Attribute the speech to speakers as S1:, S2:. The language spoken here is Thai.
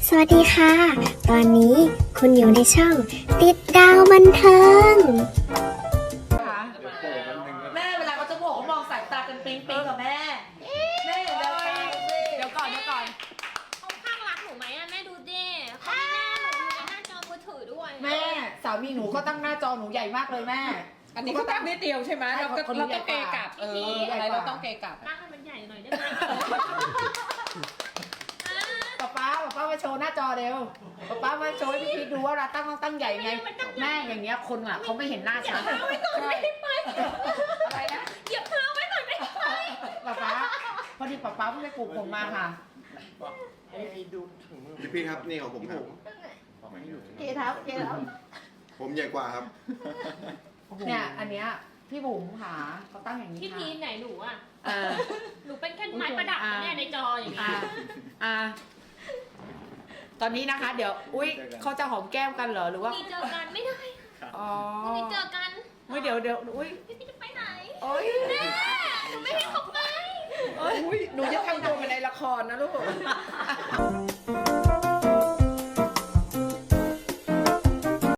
S1: สวัสดีค่ะ ตอนนี้คุณอยู่ในช่องติดดาวบันเทิง
S2: แม่เวลาเขาจะบอกเขามองสายตากันปิ๊งปิ๊งกับแม่แม่เดี๋ยวก่อน
S3: เขาข้างรักหนูไหมอะแม่ดูดิเขามีหน้าหนูอยู่ในหน้าจอมือถือด้วย
S2: แม่สามีหนูก็ตั้งหน้าจอหนูใหญ่มากเลยแม่
S4: อันนี้ก็ตั้งนิดเดียวใช่ไหมเราต้องเกยกลับอะไรเราต้องเกยกลับ
S3: ตั้งให้มันใหญ่หน่อยได้ไหม
S2: ป๊ามาโชว์หน้าจอเร็วป๊ามาโชว์ให้พี่พีดูว่าเราตั้งใหญ่ไงแม่อย่างเงี้ยคนอ่ะเขาไม่เห็นหน้าฉัน
S3: ไม่ได้ไป
S2: อะไรนะ
S3: เหยียบเท้าไว้ก่อนไม่ได้ไป
S2: ป๊าพอดีป๊าเพิ่งไปปลูกผมมาค่ะ
S5: พี่ครับนี่ของผมครับ
S2: เกทับ
S5: ผมใหญ่กว่าครับ
S2: เนี่ยอันเนี้ยพี่บุ๋มค่ะเขาตั้งอย่างนี้
S3: พี่
S2: ค่ะ
S3: พีไหนหนูอะ
S2: อ่า
S3: หนูเป็นแค่ไม้ประดับนะเนี่ยในจออย่างเงี้ย
S2: ตอนนี้นะคะ เดี๋ยวอุ้ยเขาจะหอมแก้มกันเหรอหรือว่า
S3: มีเจอกันไม่ได้ค่ะ
S2: อ๋อ
S3: มีเจอกัน
S2: อุ้ยเดี๋ยวอุ้ย
S3: พี่พีจะไปไหน
S2: โอ้ย
S3: แม่หนูไม่ให้เขาไป
S4: หนูจะทำตัวเป็นในละครนะลูก